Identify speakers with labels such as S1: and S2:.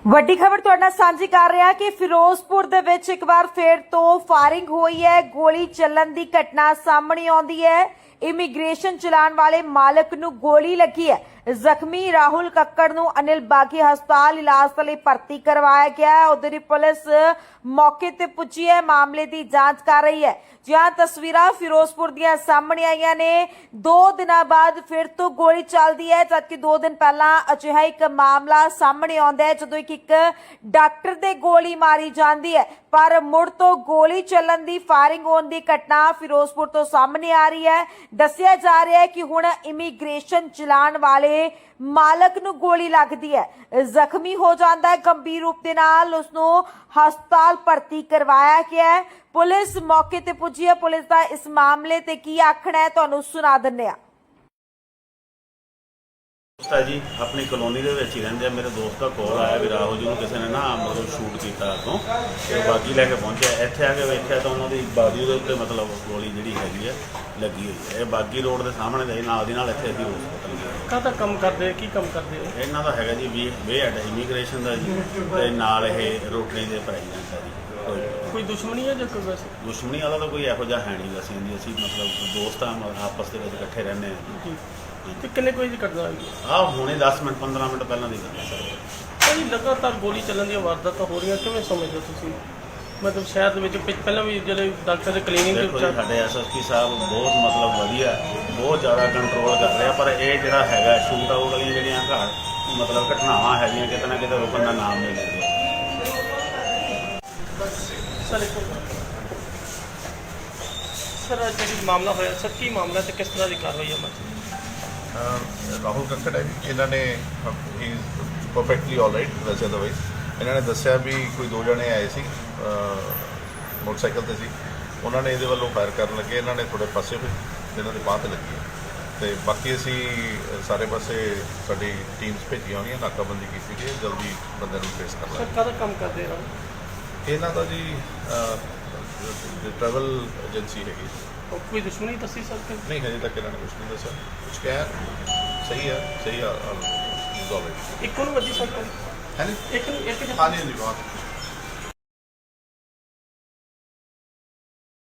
S1: ਵੱਡੀ ਖਬਰ ਤੁਹਾਡੇ ਨਾਲ ਸਾਂਝੀ ਕਰ ਰਿਹਾ ਕਿ ਫਿਰੋਜ਼ਪੁਰ ਦੇ ਵਿੱਚ ਇੱਕ ਵਾਰ ਫੇਰ ਤੋਂ ਫਾਇਰਿੰਗ ਹੋਈ ਹੈ। ਗੋਲੀ ਚੱਲਣ ਦੀ ਘਟਨਾ ਸਾਹਮਣੇ ਆਉਂਦੀ ਹੈ। ਇਮੀਗ੍ਰੇਸ਼ਨ ਚਲਾਉਣ ਵਾਲੇ ਮਾਲਕ ਨੂੰ ਗੋਲੀ ਲੱਗੀ ਹੈ। ਜ਼ਖਮੀ ਰਾਹੁਲ ਕੱਕੜ ਨੂੰ ਅਨਿਲ ਬਾਗੀ ਹਸਪਤਾਲ ਇਲਾਜ ਲਈ ਭਰਤੀ ਕਰਵਾਇਆ ਗਿਆ ਹੈ। ਉਧਰ ਹੀ ਪੁਲਿਸ ਮੌਕੇ ਤੇ ਪੁੱਜੀ ਹੈ, ਮਾਮਲੇ ਦੀ ਜਾਂਚ ਕਰ ਰਹੀ ਹੈ। ਜਿਹਾਂ ਤਸਵੀਰਾਂ ਫਿਰੋਜ਼ਪੁਰ ਦੀਆਂ ਸਾਹਮਣੇ ਆਈਆਂ ਨੇ। 2 ਦਿਨਾਂ ਬਾਅਦ ਫਿਰ ਤੋਂ ਗੋਲੀ ਚੱਲਦੀ ਹੈ, ਜਦਕਿ 2 ਦਿਨ ਪਹਿਲਾਂ ਅਜਿਹਾ ਇੱਕ ਮਾਮਲਾ ਸਾਹਮਣੇ ਆਉਂਦਾ ਹੈ ਜਦੋਂ ਇੱਕ ਡਾਕਟਰ ਦੇ ਗੋਲੀ ਮਾਰੀ ਜਾਂਦੀ ਹੈ। ਪਰ ਮੁੜ ਤੋਂ ਗੋਲੀ ਚੱਲਣ ਦੀ ਫਾਇਰਿੰਗ ਹੋਣ ਦੀ ਘਟਨਾ ਫਿਰੋਜ਼ਪੁਰ ਤੋਂ ਸਾਹਮਣੇ ਆ ਰਹੀ ਹੈ। ਦੱਸਿਆ ਜਾ ਰਿਹਾ ਹੈ ਕਿ ਹੁਣ ਇਮੀਗ੍ਰੇਸ਼ਨ ਚਲਾਉਣ ਵਾਲੇ ਮਾਲਕ ਨੂੰ ਗੋਲੀ ਲੱਗਦੀ ਹੈ, ਜ਼ਖਮੀ ਹੋ ਜਾਂਦਾ ਹੈ। ਗੰਭੀਰ ਰੂਪ ਦੇ ਨਾਲ ਉਸ ਨੂੰ ਹਸਪਤਾਲ ਭਰਤੀ ਕਰਵਾਇਆ ਗਿਆ ਹੈ। ਪੁਲਿਸ ਮੌਕੇ ਤੇ ਪੁੱਜੀ ਹੈ। ਪੁਲਿਸ ਦਾ ਇਸ ਮਾਮਲੇ ਤੇ ਕੀ ਆਖਣਾ ਹੈ ਤੁਹਾਨੂੰ ਸੁਣਾ ਦਿੰਦੇ ਹਾਂ।
S2: ਜੀ ਆਪਣੀ ਕਲੋਨੀ ਦੇ ਵਿੱਚ ਹੀ ਰਹਿੰਦੇ ਆ। ਮੇਰੇ ਦੋਸਤ ਦਾ ਕਾਲ ਆਇਆ ਵੀ ਰਾਹੁਲ ਜੀ ਨੂੰ ਕਿਸੇ ਨੇ ਨਾ ਮਤਲਬ ਸ਼ੂਟ ਕੀਤਾ ਅੱਗੋਂ, ਤੇ ਬਾਗੀ ਲੈ ਕੇ ਪਹੁੰਚਿਆ। ਇੱਥੇ ਆ ਕੇ ਵੇਖਿਆ ਤਾਂ ਉਹਨਾਂ ਦੀ ਬਾਡੀ ਦੇ ਉੱਤੇ ਮਤਲਬ ਗੋਲੀ ਜਿਹੜੀ ਹੈਗੀ ਹੈ ਲੱਗੀ ਹੋਈ ਹੈ। ਇਹ ਬਾਗੀ ਰੋਡ ਦੇ ਸਾਹਮਣੇ ਦੇ ਨਾਲ ਦੀ ਨਾਲ ਇੱਥੇ ਅਸੀਂ ਹਸਪਤਾਲ ਗਏ।
S3: ਕਾਹਦਾ ਕੰਮ ਕਰਦੇ, ਕੀ ਕੰਮ ਕਰਦੇ ਹੋ?
S2: ਇਹਨਾਂ ਦਾ ਹੈਗਾ ਜੀ ਵੇ ਹੈਡ ਇਮੀਗ੍ਰੇਸ਼ਨ ਦਾ ਜੀ, ਤੇ ਨਾਲ ਇਹ ਰੋਟਰੀ ਦੇ ਪ੍ਰੈਜ਼ੀਡੈਂਟ ਹੈ ਜੀ।
S3: ਕੋਈ ਦੁਸ਼ਮਣੀ ਹੈ ਜਾਂ ਕੋਈ ਵੈਸੇ?
S2: ਦੁਸ਼ਮਣੀ ਵਾਲਾ ਤਾਂ ਕੋਈ ਇਹੋ ਜਿਹਾ ਹੈ ਨਹੀਂ ਵੈਸੇ ਜੀ। ਅਸੀਂ ਮਤਲਬ ਦੋਸਤ ਆ, ਆਪਸ ਦੇ ਵਿੱਚ ਇਕੱਠੇ ਰਹਿੰਦੇ ਹਾਂ।
S3: ਤੇ ਕਿੰਨੇ ਕੋਈ ਦੀ ਘਟਨਾ ਹੋਈ?
S2: ਹੁਣੇ 10 ਮਿੰਟ 15 ਮਿੰਟ ਪਹਿਲਾਂ ਦੀ ਗੱਲ ਹੈ ਸਰ।
S3: ਭਾਈ ਲਗਾਤਾਰ ਗੋਲੀ ਚੱਲਣ ਦੀਆਂ ਵਾਰਦਾਤਾਂ ਹੋ ਰਹੀਆਂ, ਕਿਵੇਂ ਸਮਝਦੇ ਹੋ ਤੁਸੀਂ? ਮਤਲਬ ਸ਼ਹਿਰ ਦੇ ਵਿੱਚ ਪਹਿਲਾਂ ਵੀ ਜਿਹੜੇ ਡਾਕਟਰ ਦੇ ਕਲੀਨਿਕ ਦੇ
S2: ਦੇਖੋ ਜੀ, ਸਾਡੇ ਐਸਐਸਪੀ ਸਾਹਿਬ ਬਹੁਤ ਮਤਲਬ ਵਧੀਆ, ਬਹੁਤ ਜ਼ਿਆਦਾ ਕੰਟਰੋਲ ਕਰ ਰਿਹਾ। ਪਰ ਇਹ ਜਿਹੜਾ ਹੈਗਾ ਸ਼ੂਟ ਆਊਟ ਵਾਲੀਆਂ ਜਿਹੜੀਆਂ ਮਤਲਬ ਘਟਨਾਵਾਂ ਹੈਗੀਆਂ ਕਿਤੇ ਨਾ ਕਿਤੇ ਰੁਕਣ ਦਾ ਨਾਮ ਨਹੀਂ ਲੈ ਰਿਹਾ।
S3: ਸਰ ਜਿਹੜੀ ਮਾਮਲਾ ਹੋਇਆ ਸਰ, ਕੀ ਮਾਮਲਾ ਤੇ ਕਿਸ ਤਰ੍ਹਾਂ ਦੀ ਕਾਰਵਾਈ ਹੈ?
S4: ਰਾਹੁਲ ਕੱਕੜ ਹੈ ਜੀ। ਇਹਨਾਂ ਨੇ ਹੀ ਪਰਫੈਕਟਲੀ ਆਲ ਰਾਈਟ ਵੈਸੇ ਅਦਰਵਾਈਜ਼ ਇਹਨਾਂ ਨੇ ਦੱਸਿਆ ਵੀ ਕੋਈ 2 ਜਣੇ ਆਏ ਸੀ, ਮੋਟਰਸਾਈਕਲ ਤੇ ਸੀ। ਉਹਨਾਂ ਨੇ ਇਹਦੇ ਵੱਲੋਂ ਫਾਇਰ ਕਰਨ ਲੱਗੇ। ਇਹਨਾਂ ਨੇ ਥੋੜੇ ਪਾਸੇ ਹੋਏ, ਇਹਨਾਂ ਦੇ ਬਾਂਹ ਤੇ ਲੱਗੀ ਹੈ। ਤੇ ਬਾਕੀ ਅਸੀਂ ਸਾਰੇ ਪਾਸੇ ਸਾਡੀ ਟੀਮਸ ਭੇਜੀਆਂ ਹੋਈਆਂ, ਨਾਕਾਬੰਦੀ ਕੀਤੀ ਗਈ, ਜਲਦੀ ਬੰਦੇ ਨੂੰ ਫੇਸ ਕਰ
S3: ਸਰ
S4: ਲਾਂਗੇ।
S3: ਕਾਹਦਾ ਕੰਮ ਕਰਦੇ ਹੋ?
S4: ਇਹਨਾਂ ਦਾ ਜੀ ਟਰੈਵਲ ਏਜੰਸੀ ਹੈਗੀ।
S3: ਕੋਈ ਦੁਸ਼ਮਣੀ ਦੱਸੀ ਸਰ?
S4: ਨਹੀਂ, ਹਜੇ ਤੱਕ ਇਹਨਾਂ ਨੇ ਕੁਛ ਨਹੀਂ ਦੱਸਿਆ। ਕੁਛ ਕਿਹਾ ਸਹੀ ਹੈ, ਸਹੀ ਆ।
S3: ਇੱਕੋ ਨੂੰ ਵੱਜੀ ਸਰ?
S4: ਹੈ ਜੀ,
S3: ਇੱਕ
S4: ਹਾਂਜੀ ਹਾਂਜੀ, ਬਹੁਤ